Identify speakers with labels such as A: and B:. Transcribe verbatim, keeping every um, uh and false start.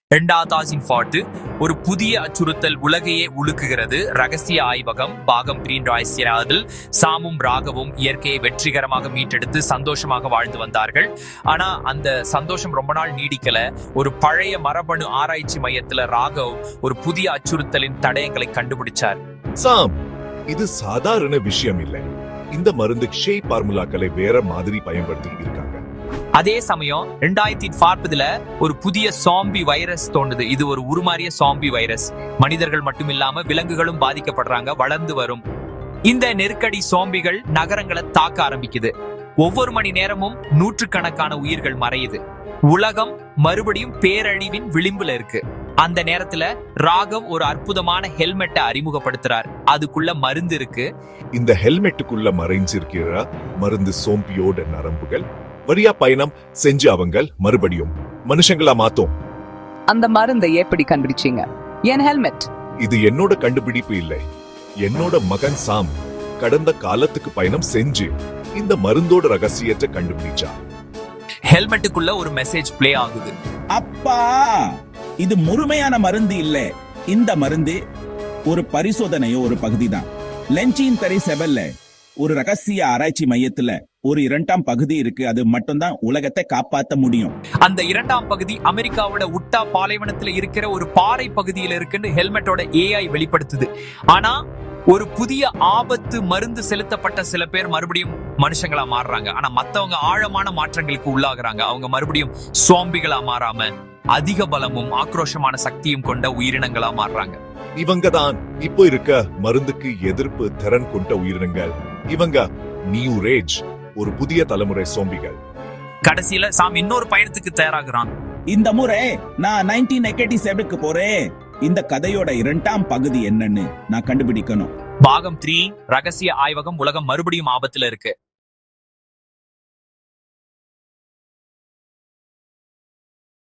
A: இரண்டாயிரத்து பதினான்கு ஒரு புதிய அச்சுறுத்தல் உலகையே உலுக்குகிறது. ரகசிய ஆய்வகம் பாகம் கிரீன் ராய்சியதில் சாமும் ராகவும் இயற்கையை வெற்றிகரமாக மீட்டெடுத்து சந்தோஷமாக வாழ்ந்து வந்தார்கள். ஆனா அந்த சந்தோஷம் ரொம்ப நாள் நீடிக்கல. ஒரு பழைய மரபணு ஆராய்ச்சி மையத்துல ராகவ் ஒரு புதிய அச்சுறுத்தலின் தடயங்களை கண்டுபிடிச்சார்.
B: சாம், இது சாதாரண விஷயம் இல்லை. இந்த மருந்து ஷே பார்முலாக்களை வேற மாதிரி பயன்படுத்தி இருக்காங்க.
A: அதே சமயம் இரண்டாயிரத்தி நாற்பதுல ஒரு புதிய சாம்பி வைரஸ் தோன்றுது. இது ஒரு உருமாறிய சாம்பி வைரஸ். மனிதர்கள் மட்டும் இல்லாம விலங்குகளும் பாதிக்கப்படுறாங்க, வளர்ந்து வரும். இந்த நெருக்கடி சாம்பிகள் நகரங்களை தாக்க ஆரம்பிக்குது. ஒவ்வொரு மணி நேரமும் நூற்றுக்கணக்கான உயிர்கள் மறையுது. உலகம் மறுபடியும் பேரழிவின் விளிம்புல இருக்கு. அந்த நேரத்துல ராகவ் ஒரு அற்புதமான ஹெல்மெட்டை அறிமுகப்படுத்துறார். அதுக்குள்ள மருந்து இருக்கு.
B: இந்த ஹெல்மெட்டுக்குள்ள மறைஞ்சிருக்கிற மருந்து சோம்பியோட நரம்புகள் வழியா பயணம் செஞ்சு அவங்க மறுபடியும் மனுஷங்களா மாத்தோம்.
C: அந்த மருந்தை எப்படி கண்டுபிடிச்சீங்க? என் ஹெல்மெட்
B: இது என்னோட கண்டுபிடிப்பு இல்லை. என்னோட மகன் சாம் கடந்த காலத்துக்கு பயணம் செஞ்சு இந்த மருந்தோட ரகசியத்தை கண்டுபிடிச்சா.
A: ஹெல்மெட்டுக்குள்ள ஒரு மெசேஜ் பிளே ஆகுது.
D: அப்பா, இது முழுமையான மருந்து இல்ல. இந்த மருந்து ஒரு பரிசோதனையோ ஒரு பகுதி தான். லென்சின் தரி செவல்ல ஒரு ரகசிய ஆராய்ச்சி மையத்துல ஒரு இரண்டாம் பகுதி இருக்கு. அது மட்டும்தான் உலகத்தை காப்பாற்ற முடியும்.
A: அந்த இரண்டாம் பகுதி அமெரிக்காவோட உட்டா பாலைவனத்துல இருக்கிற ஒரு பாறை பகுதியில இருக்குன்னு ஹெல்மெட்டோட ஏஐ வெளிப்படுத்துது. ஆனா ஒரு புதிய ஆபத்து மருந்து செலுத்தப்பட்ட சில பேர் மறுபடியும் மனுஷங்களா மாறுறாங்க. ஆனா மத்தவங்க ஆழமான மாற்றங்களுக்கு உள்ளாகுறாங்க. அவங்க மறுபடியும் சோம்பிகளா மாறாம அதிக பலமும் ஆக்ரோஷமான சக்தியும் கொண்ட உயிரினங்களா மாறுறாங்க.
B: இவங்க தான் இப்போ இருக்க மருந்துக்கு எதிர்ப்பு திறன் கொண்ட உயிரினங்கள். இவங்க நியூ ரேஜ், ஒரு புதிய தலைமுறை சோம்பிகள்.
A: கடைசியில சாம் இன்னொரு பயணத்துக்கு தயாராகிறான்.
D: இந்த முறை நான் நைன்டீன் எயிட்டி செவனுக்கு போறேன். இந்த கதையோட இரண்டாம் பகுதி என்னன்னு நான் கண்டுபிடிக்கணும்.
A: பாகம் த்ரீ ரகசிய ஆய்வகம் உலகம் மறுபடியும் ஆபத்துல இருக்கு.